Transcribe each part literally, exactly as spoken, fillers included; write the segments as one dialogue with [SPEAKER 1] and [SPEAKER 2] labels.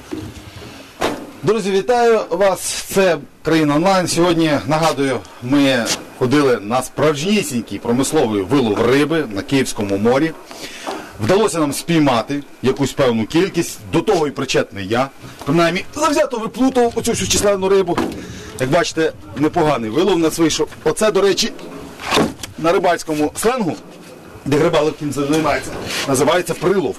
[SPEAKER 1] Друзі, вітаю вас, це Країна онлайн. Сьогодні, нагадую, ми ходили на справжнісінький промисловий вилов риби на Київському морі. Вдалося нам спіймати якусь певну кількість, до того і причетний я. Принаймні, завзято виплутав оцю всю численну рибу. Як бачите, непоганий вилов у нас вийшов. Оце, до речі, на рибальському сленгу, де рибалок цим займається, називається прилов.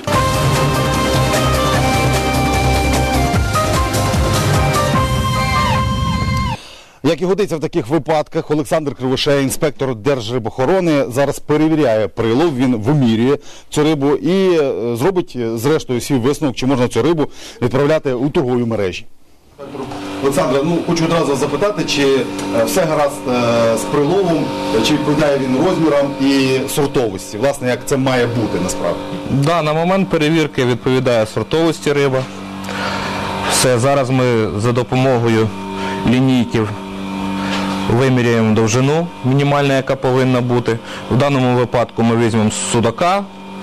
[SPEAKER 1] Як і годиться в таких випадках, Олександр Кривошея, інспектор Держрибохорони, зараз перевіряє прилов, він вимірює цю рибу і зробить, зрештою, свій висновок, чи можна цю рибу відправляти у торгові мережі. Олександр, ну, хочу одразу запитати, чи все гаразд з приловом, чи відповідає він розмірам і сортовості, власне, як це має бути насправді?
[SPEAKER 2] Да, на момент перевірки відповідає сортовості риба. Все, зараз ми за допомогою лінійків виміряємо довжину, мінімальна, яка повинна бути. В даному випадку ми візьмемо судака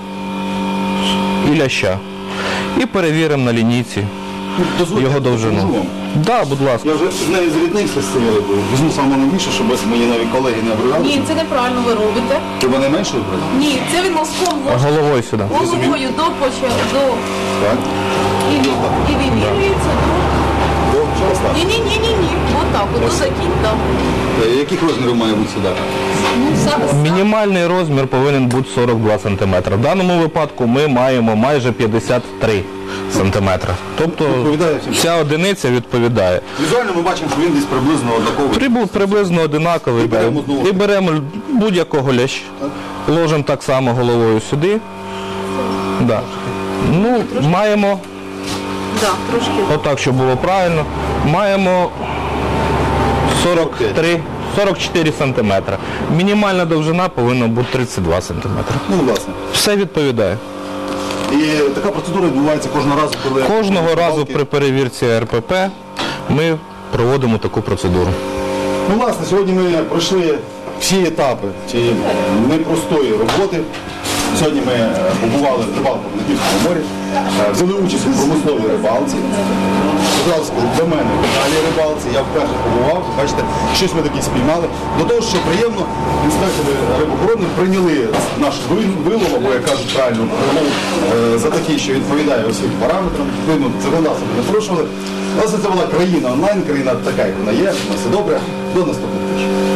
[SPEAKER 2] і ляща. І перевіримо на лінійці
[SPEAKER 1] Дозвольте,
[SPEAKER 2] його довжину. Так, да, будь ласка.
[SPEAKER 1] Я вже з нею зріднився з цією рибою. Візьму саме найбільше, щоб мої нові колеги не обривалися.
[SPEAKER 3] Ні, це неправильно ви робите.
[SPEAKER 1] Хіба не менше вибрати?
[SPEAKER 3] Ні, це він носком може
[SPEAKER 2] Головою сюди.
[SPEAKER 3] головою до початку, до...
[SPEAKER 1] Так.
[SPEAKER 3] І, і вимірюється до...
[SPEAKER 1] До чого стати?
[SPEAKER 3] Ні-ні-ні-ні-ні. Отак, от до закінь, так.
[SPEAKER 1] Яких розмірів має бути сюди?
[SPEAKER 3] Ну, зараз...
[SPEAKER 2] Мінімальний розмір повинен бути сорок два сантиметри. В даному випадку ми маємо майже п'ятдесят три сантиметри. Тобто вся одиниця відповідає.
[SPEAKER 1] Візуально ми бачимо, що він десь приблизно однаковий.
[SPEAKER 2] Прибув приблизно одинаковий.
[SPEAKER 1] І беремо знову.
[SPEAKER 2] І беремо будь-якого лящ. Ложимо так само головою сюди. Да. Ну, маємо,
[SPEAKER 3] Так, трошки.
[SPEAKER 2] отак, щоб було правильно, маємо сорок три сорок чотири сантиметри. Мінімальна довжина повинна бути тридцять два сантиметри.
[SPEAKER 1] Ну, власне.
[SPEAKER 2] Все відповідає.
[SPEAKER 1] І така процедура відбувається кожного разу, коли...
[SPEAKER 2] Кожного разу при перевірці ер пе пе ми проводимо таку процедуру.
[SPEAKER 1] Ну, власне, сьогодні ми пройшли всі етапи цієї непростої роботи. Сьогодні ми побували з рибалком на Київському морі, взяли участь у промисловій рибалці. Одразу скажу, для мене в далі рибалці, я вперше побував, бачите, щось ми таке спіймали. До того, що приємно, інспектори рибохорони прийняли наш вилов, або, як кажуть правильно, прилов за такий, що відповідає усім параметрам. Відповідно, законодавство не порушували. Власне, це була країна онлайн, країна така, як вона є, на все добре. До наступних зустрічей.